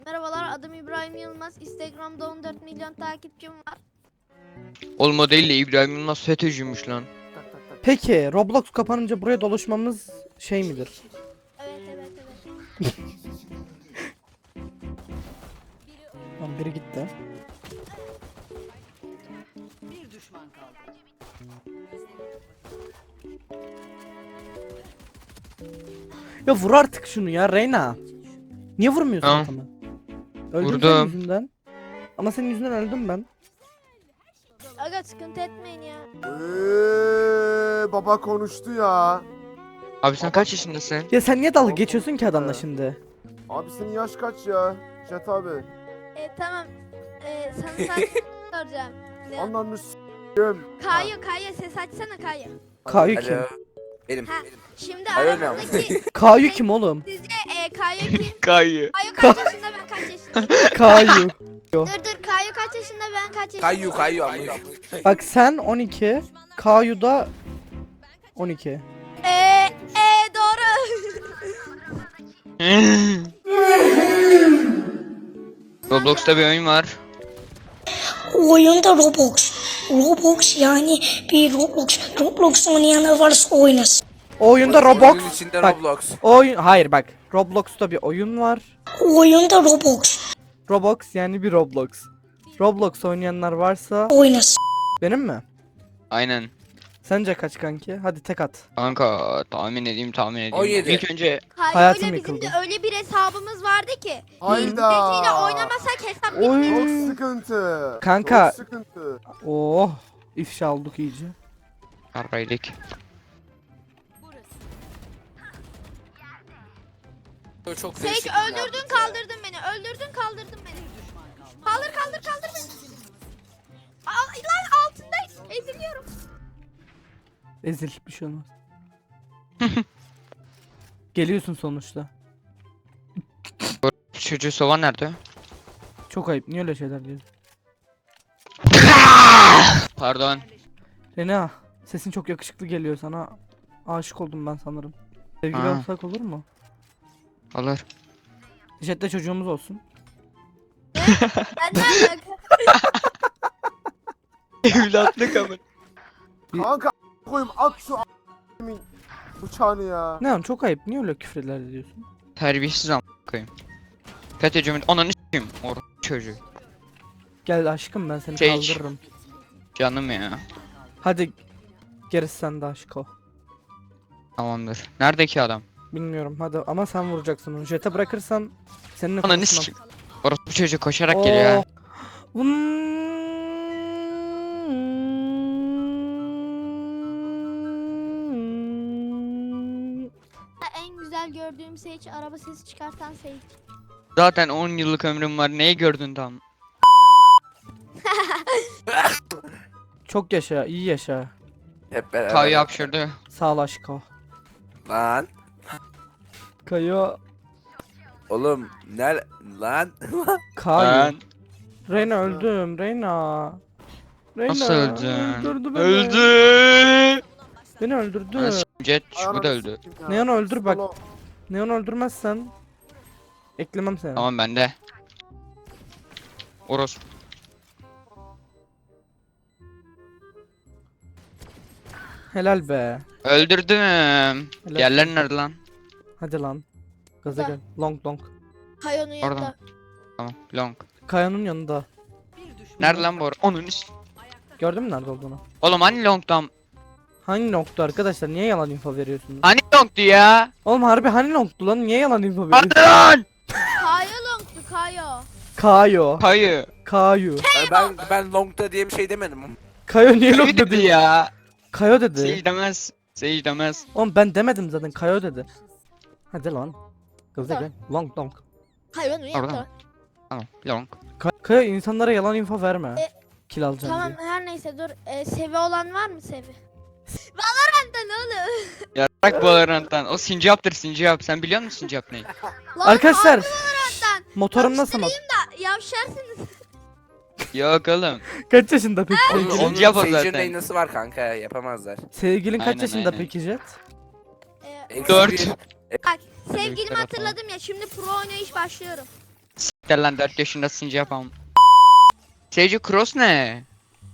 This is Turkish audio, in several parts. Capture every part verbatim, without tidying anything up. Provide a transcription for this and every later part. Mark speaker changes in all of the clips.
Speaker 1: Merhabalar, adım İbrahim Yılmaz. Instagram'da on dört milyon takipçim var.
Speaker 2: Oğlum o değil de İbrahim Yılmaz FETÖ'cüymüş lan.
Speaker 3: Peki Roblox kapanınca buraya dolaşmamız şey midir?
Speaker 1: Evet evet evet.
Speaker 3: Lan biri gitti.
Speaker 4: Bir düşman kaldı.
Speaker 3: Ya vur artık şunu ya Reyna. Niye vurmuyorsun
Speaker 2: Tamam.
Speaker 3: adamı? Öldüm senin
Speaker 2: Vurdum.
Speaker 3: yüzünden. Ama senin yüzünden öldüm ben.
Speaker 1: Aga sıkıntı etmeyin ya.
Speaker 5: Eee, baba konuştu ya.
Speaker 2: Abi sen kaç yaşındasın?
Speaker 3: Ya sen niye dalga
Speaker 5: Oğlum,
Speaker 3: geçiyorsun ki adamla
Speaker 5: ya.
Speaker 3: şimdi?
Speaker 5: Abi senin yaş kaç ya? Jet abi.
Speaker 1: E, tamam. E, sana sadece soracağım. Ne?
Speaker 5: Anlanmış s***im.
Speaker 1: Kayu, Kayu ses açsana Kayu.
Speaker 3: Kayu kim?
Speaker 6: Alo. Benim.
Speaker 1: Ha, şimdi
Speaker 6: Kayu ne
Speaker 1: aramızdaki
Speaker 3: Kayu kim oğlum?
Speaker 1: sizce e, Kayu kim?
Speaker 2: Kayı.
Speaker 1: Kayu kaç yaşında, ben kaç yaşındayım?
Speaker 3: Kayu.
Speaker 1: Dur dur, Kayu kaç yaşında, ben kaç yaşındayım?
Speaker 6: Kayu kayu amına.
Speaker 3: Bak sen on iki, Kayu da on iki.
Speaker 1: E, e doğru.
Speaker 2: Roblox'ta bir oyun var.
Speaker 7: Oyunda Roblox. Roblox yani bir Roblox. Roblox oynayanlar varsa oynasın.
Speaker 3: O oyunda Roblox.
Speaker 6: Oyunun içinde
Speaker 3: Bak,
Speaker 6: Roblox.
Speaker 3: o oyun hayır bak. Roblox'ta bir oyun var.
Speaker 7: Oyunda Roblox.
Speaker 3: Roblox yani bir Roblox. Roblox oynayanlar varsa
Speaker 7: Oynasın.
Speaker 3: benim mi?
Speaker 2: Aynen.
Speaker 3: Sence kaç kanki? Hadi tek at.
Speaker 2: Kanka tahmin edeyim tahmin edeyim.
Speaker 6: on yedi.
Speaker 2: İlk önce
Speaker 1: Kayu
Speaker 3: Hayatım
Speaker 1: öyle bizim
Speaker 3: yıkıldı.
Speaker 1: de öyle bir hesabımız vardı ki.
Speaker 5: Hayda.
Speaker 1: İzleyiciyle oynamasak hesap
Speaker 3: Oy.
Speaker 1: bitmiyor.
Speaker 5: Çok sıkıntı.
Speaker 3: Kanka.
Speaker 5: Çok sıkıntı.
Speaker 3: Oh, ifşa olduk iyice.
Speaker 2: Harbaylık.
Speaker 6: Çok
Speaker 1: Sage
Speaker 6: değişik
Speaker 1: öldürdün kaldırdın beni. Öldürdün kaldırdın beni. Kaldır kaldır kaldır beni. Al, lan altındayım. Eziliyorum.
Speaker 3: Ezil bir şey olmaz. Geliyorsun sonuçta.
Speaker 2: Çocuğu sovan nerede?
Speaker 3: Çok ayıp. Niye öyle şeyler diyorsun?
Speaker 2: Pardon.
Speaker 3: Rena, sesin çok yakışıklı geliyor sana. Aşık oldum ben sanırım. Sevgili
Speaker 2: Aa.
Speaker 3: olsak olur mu?
Speaker 2: Olur.
Speaker 3: Jet'te çocuğumuz olsun.
Speaker 1: Ben ne alaka?
Speaker 2: Evlatlık ama.
Speaker 5: Kanka a- koyayım at şu a**imin bıçağını ya.
Speaker 3: Ne lan çok ayıp. Niye öyle küfürler ediyorsun?
Speaker 2: Terbiyesiz am koyayım. FETÖ'cümün ananı s**eyim. Or çocuğu.
Speaker 3: Gel aşkım ben seni
Speaker 2: Sage.
Speaker 3: kaldırırım.
Speaker 2: Canım ya.
Speaker 3: Hadi gerisi sende aşk o.
Speaker 2: Tamamdır. Nerede ki adam?
Speaker 3: Bilmiyorum hadi ama sen vuracaksın onu. Jet'e bırakırsan seninle
Speaker 2: Ananı
Speaker 3: konuşmam.
Speaker 2: s**eyim. Orası çocuk koşarak geliyor ha.
Speaker 1: En güzel gördüğüm Sage, araba sesi çıkartan Sage.
Speaker 2: Zaten on yıllık ömrüm var. Neyi gördün tam?
Speaker 3: Çok yaşa, iyi yaşa.
Speaker 6: Hep beraber.
Speaker 2: Kayı hapşırdı.
Speaker 3: Sağ ol aşko.
Speaker 6: Lan.
Speaker 3: Kayo,
Speaker 6: Oğlum ner lan.
Speaker 3: Kayo.
Speaker 2: Ben
Speaker 3: Reyna öldüm, Reyna. Reyna.
Speaker 2: nasıl öldün?
Speaker 3: Öldürdü beni.
Speaker 2: Öldü.
Speaker 3: Beni öldürdü.
Speaker 2: Ana s**eyim, Jet bu da
Speaker 5: Ananı
Speaker 2: öldü.
Speaker 5: s**eyim ya.
Speaker 3: Neon öldür bak.
Speaker 5: Solo.
Speaker 3: Neon öldürmezsen eklemem seni.
Speaker 2: Tamam bende. Oros.
Speaker 3: Helal be.
Speaker 2: Öldürdüm.
Speaker 3: Helal.
Speaker 2: Yerler nerede lan?
Speaker 3: Hadi lan. Gaza
Speaker 1: Burada.
Speaker 3: gel. Long long.
Speaker 1: Kayonun yanında.
Speaker 2: Oradan. Tamam. Long.
Speaker 3: Kayanın yanında.
Speaker 4: Bir düşman.
Speaker 2: Nerede lan bu or? Onun is-
Speaker 3: Gördün mü nerede olduğunu?
Speaker 2: Oğlum hani long'dan?
Speaker 3: Hangi nokta arkadaşlar? Niye yalan info veriyorsunuz?
Speaker 2: Hani long'du ya?
Speaker 3: Oğlum harbi hani noktu lan? Niye yalan info veriyorsun?
Speaker 2: Hadi lan!
Speaker 1: Kayo longtu Kayo.
Speaker 3: Kayo.
Speaker 2: Kayı.
Speaker 3: Kayu.
Speaker 6: ben ben longta diye bir şey demedim.
Speaker 3: Kayo niye
Speaker 2: Kayı
Speaker 3: long
Speaker 2: dedi
Speaker 3: dedi?
Speaker 2: ya.
Speaker 3: Kayo dedi.
Speaker 2: Sage demez. Sage demez.
Speaker 3: Oğlum ben demedim zaten. Kayo dedi. Hadi lan. Gaza
Speaker 1: Tamam.
Speaker 3: gel. Long long.
Speaker 1: Kayonun yanında.
Speaker 2: Oradan. Tamam. Long.
Speaker 3: Ka- Kayo insanlara yalan info verme.
Speaker 1: E,
Speaker 3: Kill alacağım
Speaker 1: Tamam
Speaker 3: diye.
Speaker 1: her neyse dur. E, sevi olan var mı sevi? Valorant'ta ne oluyor?
Speaker 2: Ya bırak bu Valorant'tan. O sincaptır sincap. Sen biliyor musun sincap ne?
Speaker 1: Lan
Speaker 3: Arkadaşlar.
Speaker 1: harbi Valorant'tan.
Speaker 3: Motorum nasıl mot?
Speaker 1: Da yavşarsınız.
Speaker 2: Yok oğlum.
Speaker 3: Kaç yaşında peki
Speaker 6: Onun,
Speaker 3: sevgilin?
Speaker 6: onun
Speaker 2: Sinci yapar
Speaker 6: Sage'in
Speaker 2: zaten.
Speaker 6: reynası var kanka yapamazlar.
Speaker 3: Sevgilin kaç
Speaker 2: Aynen,
Speaker 3: yaşında
Speaker 2: aynen.
Speaker 3: peki Jet?
Speaker 1: E,
Speaker 6: Eksi
Speaker 2: Dört.
Speaker 6: bir.
Speaker 1: bak sevgilimi
Speaker 2: Büyükler
Speaker 1: hatırladım ya, şimdi pro oynayış başlıyorum.
Speaker 2: Siktir lan dört yaşında sinci yapamam. Sage cross ne?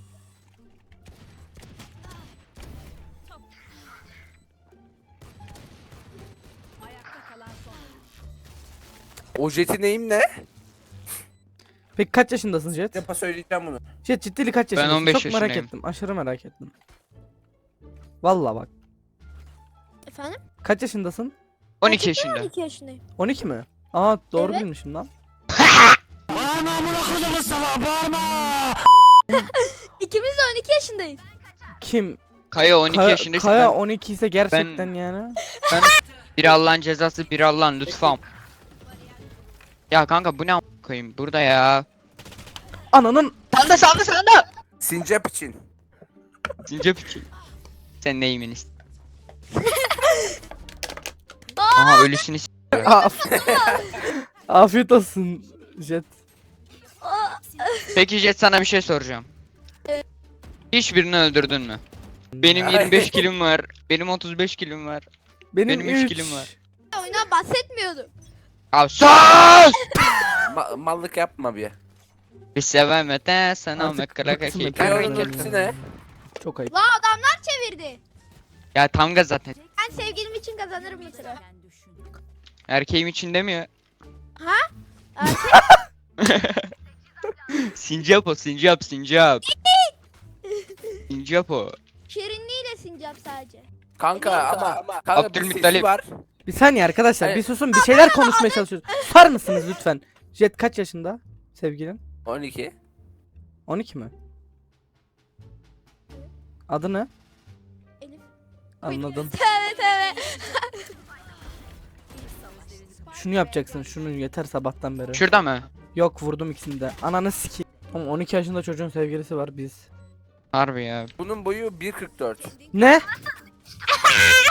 Speaker 4: Ayakta kalan son.
Speaker 6: O jeti neyim ne?
Speaker 3: Peki kaç yaşındasın Jet?
Speaker 6: Yapa söyleyeceğim bunu.
Speaker 3: Jet ciddili kaç yaşındasın?
Speaker 2: on beş
Speaker 3: Çok merak
Speaker 2: yaşındayım.
Speaker 3: ettim. Aşırı merak ettim. Valla bak.
Speaker 1: Efendim?
Speaker 3: Kaç yaşındasın?
Speaker 2: on iki
Speaker 1: Gerçekten
Speaker 2: yaşında.
Speaker 1: on iki yaşındayım.
Speaker 3: on iki mi? Aa doğru
Speaker 1: Evet.
Speaker 3: bilmişim lan.
Speaker 1: İkimiz de on iki yaşındayız.
Speaker 3: Kim?
Speaker 2: Kaya on iki
Speaker 3: Kaya,
Speaker 2: yaşında.
Speaker 3: Kaya
Speaker 2: ben,
Speaker 3: on iki ise gerçekten yani.
Speaker 2: ben biri Allah'ın cezası, biri Allah'ın lütfam. Ya kanka bu ne a- koyayım burada ya.
Speaker 3: Ananın
Speaker 2: Sanda sanda sanda.
Speaker 6: Sincap için.
Speaker 2: Sincap için. Sen neyiminiz? Aha ölüsünü s-
Speaker 3: Af- Afiyet olsun Jet.
Speaker 2: Peki Jet sana bir şey soracağım. Hiçbirini öldürdün mü? Benim
Speaker 6: Hayır.
Speaker 2: yirmi beş kilim var. Benim otuz beş kilim var.
Speaker 3: Benim,
Speaker 2: Benim üç
Speaker 3: üç.
Speaker 2: kilim var.
Speaker 1: Oyuna bahsetmiyordum.
Speaker 2: Abi sus!
Speaker 6: Ma- mallık yapma bir.
Speaker 2: Bir sevemete sana
Speaker 3: Artık
Speaker 2: mekkara
Speaker 3: bıktım
Speaker 2: kaki
Speaker 3: ben.
Speaker 6: Kaya'nın
Speaker 3: Karın
Speaker 6: ultisi ne?
Speaker 3: Çok ayıp.
Speaker 1: La adamlar çevirdi.
Speaker 2: Ya tam gaz zaten.
Speaker 1: Ben sevgilim için kazanırım bu sıra.
Speaker 4: Sen düşün.
Speaker 2: Erkeğim için demiyor.
Speaker 1: Erkek
Speaker 2: Sincap o sincap sincap. Sincap o.
Speaker 1: şirinliğiyle sincap sadece.
Speaker 6: Kanka ama kanka bir
Speaker 2: Abdülmuttalip.
Speaker 6: sesi var.
Speaker 3: Bir saniye arkadaşlar
Speaker 6: Hayır.
Speaker 3: bir susun bir şeyler konuşmaya çalışıyoruz. Susar mısınız lütfen? Jet kaç yaşında sevgilin?
Speaker 6: on iki.
Speaker 3: on iki mi? Adı ne?
Speaker 1: Elif.
Speaker 3: Anladım.
Speaker 1: Evet evet.
Speaker 3: Şunu yapacaksın şunu yeter sabahtan beri.
Speaker 2: Şurada mı?
Speaker 3: Yok vurdum ikisini de. Ananı siki. Oğlum on iki yaşında çocuğun sevgilisi var biz.
Speaker 2: Harbi ya.
Speaker 6: Bunun boyu bir kırk dört.
Speaker 3: Ne?